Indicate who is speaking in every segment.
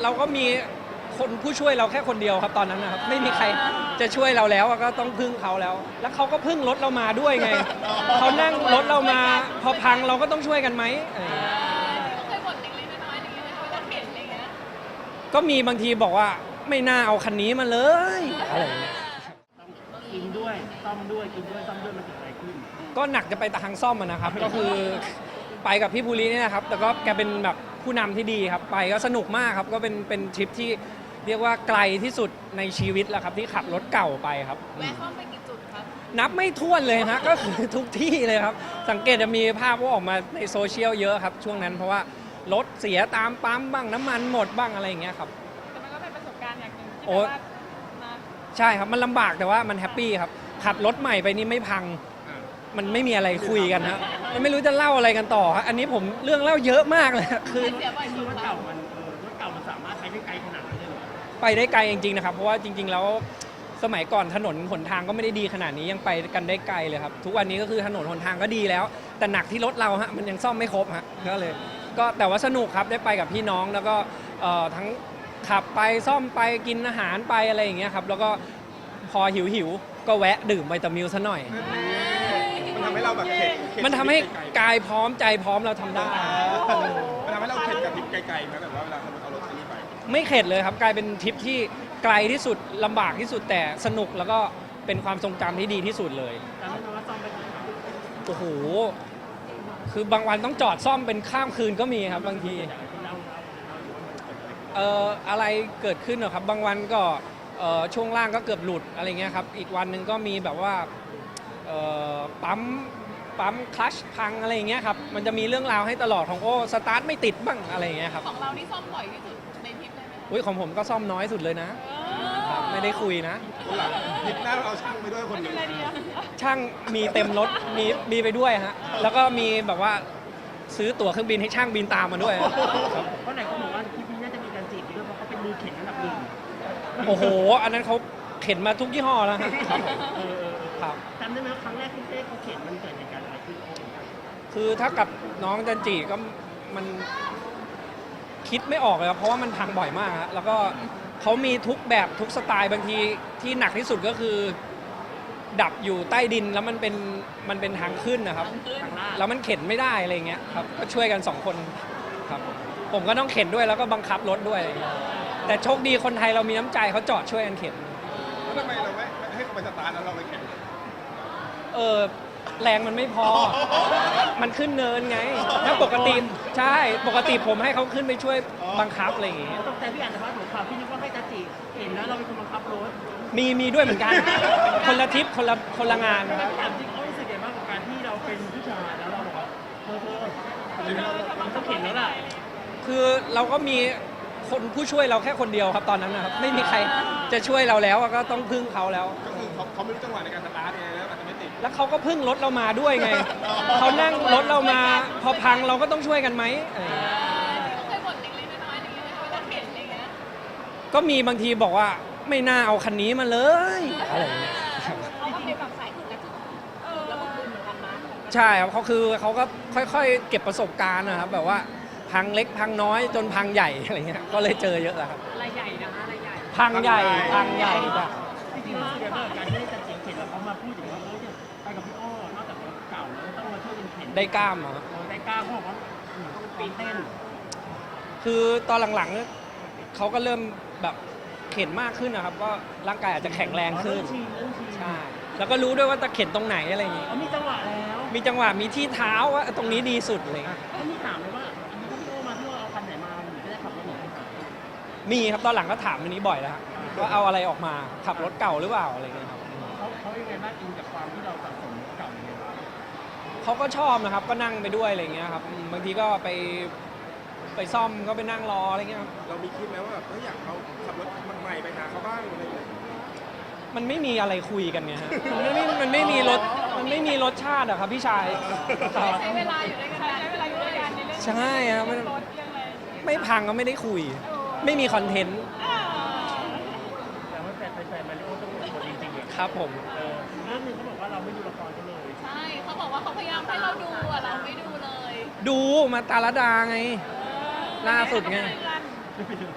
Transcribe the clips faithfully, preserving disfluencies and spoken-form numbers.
Speaker 1: เราก็มีคนผู้ช่วยเราแค่คนเดียวครับตอนนั้นนะครับไม่มีใครจะช่วยเราแล้วก็ต้องพึ่งเขาแล้ว แล้วเขาก็พึ่งรถเรามาด้วยไงเขานั่งรถเรามาพอพังเราก็ต้องช่วยกันไหมอะไรอย่างเงี้ย
Speaker 2: เคยบ่นเล็กๆน้อยๆอย่างเงี้ยเวลาเห็นอะไรเงี้ย
Speaker 1: ก็มีบางทีบอกว่าไม่น่าเอาคันนี้มาเลยอะไรอย่างเงี้ย
Speaker 3: ต้องกินด้วยซ่อมด้วยกินด้วยซ่อมด้วยมันเกิดอะไรขึ้น
Speaker 1: ก็หนักจะไปทางซ่อมอะนะครับ ก็คือไปกับพี่ภูริเนี่ยนะครับ แต่ก็แกเป็นแบบผู้นำที่ดีครับ ไปก็สนุกมากครับ ก็เป็นเป็นทริปที่เรียกว่าไกลที่สุดในชีวิตแล้วครับที่ขับรถเก่าไปครับ
Speaker 2: แวะซ่อมไปกี่จุดครับ
Speaker 1: นับไม่ถ้วนเลยนะ ก็คือทุกที่เลยครับ สังเกตจะมีภาพว่าออกมาในโซเชียลเยอะครับ ช่วงนั้นเพราะว่ารถเสียตามปั๊มบ้างน้ำมันหมดบ้างอะไรอย่างเงี้ยครับ
Speaker 2: แต่มันก็เป็นประสบการณ์อย่างหนึ่งที่
Speaker 1: โอ้
Speaker 2: แบบว่านะ
Speaker 1: ใช่ครับมันลำบากแต่ว่ามันแฮปปี้ครับขับรถใหม่ไปนี่ไม่พัง มันไม่มีอะไรคุยกันฮะมันไม่รู้จะเล่าอะไรกันต่อฮะอันนี้ผมเรื่องเล่าเยอะมากเลยคือ
Speaker 2: เสียบ่อย
Speaker 3: ไอ้
Speaker 2: สุ
Speaker 3: ร
Speaker 2: ด
Speaker 3: ถ
Speaker 2: ครั
Speaker 3: เก่า
Speaker 2: บ
Speaker 3: มันเออรถเก่ามันสามารถไปได้ไกลขนาดนั้นเลยเหรอ
Speaker 1: ไปได้ไกลจริงๆนะครับเพราะว่าจริง ๆ แล้วสมัยก่อนถนนหนทางก็ไม่ได้ดีขนาดนี้ยังไปกันได้ไกลเลยครับทุกวันนี้ก็คือถนนหนทางก็ดีแล้ว แต่หนักที่รถเราฮะมันยังซ่อมไม่ครบฮะก็เลย ก็แต่ว่าสนุกครับได้ไปกับพี่น้องแล้วก็เอ่อทั้งขับไปซ่อมไปกินอาหารไปอะไรอย่างเงี้ยครับแล้วก็พอหิวหิวๆก็แวะดื่มไวตามิลซะหน่อย
Speaker 4: มันทำให้เราแบบเข็ดเข็ด
Speaker 1: มันทำให้
Speaker 4: ไกล
Speaker 1: กายพร้อมใจพร้อมเราทำได้
Speaker 4: ๆมันทำให้เราเข็ดกับทริปไกลๆไหมแบบว่าเวลาเราเอารถคันนี้ไป
Speaker 1: ไม่เข็ดเลยครับกลายเป็นทริปที่ไกลที่สุดลำบากที่สุดแต่สนุกแล้วก็เป็นความทรงจำที่ดีที่สุดเลย
Speaker 3: จำได้ไหมว่าซ่อมไปกี่ครั้ง
Speaker 1: โอ้โหคือบางวันต้องจอดซ่อมเป็นข้ามคืนก็มีครับบางที
Speaker 3: อยากให้พี่เล่าเล่าเล่าว่ามันเกิดอะไรขึ้น
Speaker 1: เอ่ออะไรเกิดขึ้นเหรอครับ บางวันก็เอ่อช่วงล่างก็เกือบหลุดอะไรเงี้ยครับอีกวันหนึ่งก็มีแบบว่าเอ่อปั๊มปั๊มคลัชพังอะไรอย่างเงี้ยครับมันจะมีเรื่องราวให้ตลอดของโอ้สตาร์ทไม่ติดบ้างอะไรอย่างเงี้ยครับ
Speaker 2: ของเรานี่ซ่อมบ่อยที่สุดในทริปเลยไหม
Speaker 1: อุ้ยของผมก็ซ่อมน้อยสุดเลยนะ
Speaker 2: เอ
Speaker 1: ครับไม่ได้คุยนะ
Speaker 4: คนหลังทริปหน้าเราเอาช่างไปด้วยคนหนึ่ง
Speaker 2: อะไรดีอะ
Speaker 1: ช่างมีเต็มรถมีมีไปด้วยฮะแล้วก็มีแบบว่าซื้อตั๋วเครื่องบินให้ช่างบินตามมาด้วยครับ
Speaker 3: เพราะไหนเขาบอกว่าคลิปนี้น่าจะมีการจีบด้วยเพราะเขาเป็นมือเข็นอันดับหนึ่ง
Speaker 1: โอ้โห อันนั้นเขาเข็นมาทุกยี่ห้อแล้วฮะ
Speaker 3: เออเออเออ
Speaker 1: ครับ
Speaker 3: จำได้ไหมว่าครั้งแรกที่เต้เขาเข็นมันเกิดเหตุการณ์อะไรขึ้น
Speaker 1: คือถ้ากับน้องจันจีก็มันคิดไม่ออกเลยครับเพราะว่ามันพังบ่อยมากฮะแล้วก็เขามีทุกแบบทุกสไตล์บางทีที่หนักที่สุดก็คือ ดับอยู่ใต้ดินแล้วมันเป็นมันเป็นทางขึ้นนะครับ
Speaker 3: ทางลาด
Speaker 1: แล้วมันเข็นไม่ได้อะไรเงี้ยครับก็ช่วยกันสองคนครับผมก็ต้องเข็นด้วยแล้วก็บังคับรถด้วยอะไรเงี้ยแต่โชคดีคนไทยเรามีน้ำใจเขาจอดช่วยกันเข็น
Speaker 4: แล้วทำไมเราไม่ไม่ให้เขาไปสตาร์ทแล้วเราไปแข่ง
Speaker 1: เออแรงมันไม่พอ มันขึ้นเนินไง ถ้าปกติใช่ปกติผมให้เขาขึ้นไปช่วยบังคับอะไรอย่างเงี้ย
Speaker 3: เขาตกใจพี่อ่านแต่ว่าหัวข่าวพี่นึกว่าให้ตาจีเห็นแล้วเราเป็นคนบังคับรถ
Speaker 1: มีมีด้วยเหมือนกัน คนละทริปคนละคนละงาน
Speaker 3: แล้วถามจริงเขารู้สึกยังไงบ้างกับการที่เราเป็นผู้ชายแล้วเราบอกว่าเธอเธอเราเราต้องเข็นแล้วล่ะ
Speaker 1: คือเราก็มีคนผู้ช่วยเราแค่คนเดียวครับตอนนั้นนะครับไม่มีใครจะช่วยเราแล้วก็ต้องพึ่งเขาแล้ว
Speaker 4: ก็คือเขาเขาไม่รู้จังหวะในการสตาร์ทไงแล้วอาจจะไม่ติด
Speaker 1: แล้วเขาก็พึ่งรถเรามาด้วยไงเขานั่งรถเรามาพอพังเราก็ต้องช่วยกันไหมอะไรอย่างเงี้ย
Speaker 2: เคยบ่นเล็กๆน้อยๆอย่างเงี้ยเวลาเห็นอะไรเงี้ย
Speaker 1: ก็มีบางทีบอกว่าไม่น่าเอาคันนี้มาเลยอะไรอย่างเงี้ย
Speaker 2: เขาก็เป็นแบบสายถึงกระจุกเออแล้วก็คุณเหมือนกันนะ
Speaker 1: ใช่ครับเขาคือเขาก็ค่อยๆ เก็บประสบการณ์นะครับแบบว่าพังเล็กพังน้อยจนพังใหญ่อะไรเงี้ยก็เลยเจอเยอะแหละครับ
Speaker 2: อะไรใหญ่นะคะอะไรใหญ่
Speaker 1: พังใหญ่พังใหญ่จ้ะ
Speaker 3: จริงๆรู้สึกยังไงบ้างกับการที่ได้ตาจีเข็นแล้วเขามาพูดถึงว่าเออเนี่ยไปกับพี่อ้อนอกจากรถเก่าแล้วต้องมาช่วยกันเข็น
Speaker 1: ได้กล้ามเหรอ
Speaker 3: เออได้กล้าเขาบอกว่าอืมต้องปีนเต้น
Speaker 1: คือตอนหลังๆเขาก็เริ่มแบบเข็นมากขึ้นนะครับก็ร่างกายอาจจะแข็งแรงขึ้น
Speaker 3: เริ่มชินเริ่มชิน
Speaker 1: ใช่แล้วก็รู้ด้วยว่าจะเข็นตรงไหนอะไรอย่างงี้
Speaker 3: เขามีจังหวะแล้ว
Speaker 1: มีจังหวะมีที่เท้าว่าตรงนี้ดีสุดอะไรเงี้ย
Speaker 3: เขามีถามเลยว่าอันนี้พี่โอมาที่ว่าเอาคันไหนมาหนูจะได้ขับรถหนูไปหา
Speaker 1: มีครับตอนหลังก็ถามอันนี้บ่อยแล้วฮะว่าเอาอะไรออกมาขับรถเก่าหรือเปล่าอะไรเงี้ยครับ
Speaker 3: เขาเขายังไงบ้างอินกับความที่เราสะสมรถเก่ายังไงบ้าง
Speaker 1: เขาก็ชอบนะครับก็นั่งไปด้วยอะไรเงี้ยครับอืมบางทีก็ไปไปซ่อมก็ไปนั่งรออะไรเงี้ยครับ
Speaker 4: เรามีคิดไหมว่าแบบเฮ้ยอยากเอาขับรถใหม่ไปหาเขาบ้างอะไรอย่างเงี้ย
Speaker 1: มันไม่มีอะไรคุยกันไงฮะมันไม่มันไม่มีรสมันไม่มีรสชาติอะครับพี่ชายครับ
Speaker 2: ใช้เวลาอยู่ด้วยกันใช้เวลาอยู่ด้วยกันในเรื่อง
Speaker 1: ใช่ครับมัน
Speaker 2: รถเรื่องอะไร
Speaker 1: ไม่พังก็ไม่ได้คุย ไม่มีคอนเทนต์
Speaker 3: แต่ว่าแฟนแฟนมาริโอต้องเป็นคนจริงๆเลย
Speaker 1: ครับผม
Speaker 3: เออเรื่องหนึงเขาบอกว่าเราไม่ดูละครกันเลย
Speaker 2: ใช่เขาบอกว่าเขาพยายามให้เราดูอะเราไม่ดูเลย
Speaker 1: ดูมาตาลดาไง ล่าสุดไง
Speaker 3: ไม่ไปดู
Speaker 1: ก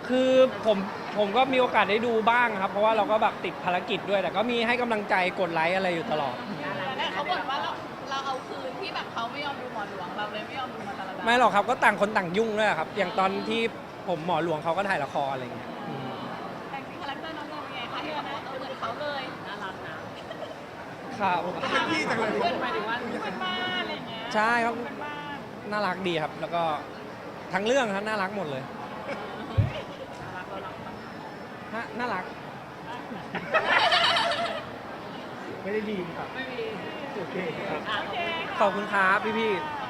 Speaker 1: คือผมผมก็มีโอกาสได้ดูบ้างครับ เพราะว่าเราก็แบบติดภารกิจด้วยแต่ก็มีให้กำลังใจกดไลค์อะไรอยู่ตลอด
Speaker 2: แต่เขาบ่นว่าเราเราเอาคืนที่แบบเขาไม่ยอมดูหมอหลวงเราเลยไม่ยอมดูมาตลอด
Speaker 1: ไม่หรอกครับก็ต่างคนต่างยุ่งด้วยครับ อย่างตอนที่ผมหมอหลวงเขาก็ถ่ายละครอะไรอย่างเงี้ยอืม
Speaker 2: แต่จริงคาแรคเตอร์น้องโมเป็นไงคะที่แบบว่าเออเหมือนเขาเลยน่ารักนะครับ
Speaker 4: เป็นพี่จังเลย
Speaker 2: เพื่อนหมายถึงว่าเพื่อนบ้านอะไรอย่างเงี้ย
Speaker 1: ใช่ครับ
Speaker 2: เพื่อนบ้าน
Speaker 1: น่ารักดีครับ แล้วก็ทั้งเรื่องครับน่ารักหมดเลย
Speaker 2: น่ารักเรารัก
Speaker 1: น่าน่ารัก
Speaker 3: ไม่ได้ดีครับ
Speaker 2: ไม่มี
Speaker 3: โอเคครับ
Speaker 2: อ่ะโอเค
Speaker 1: ขอบคุณครับพี่ๆ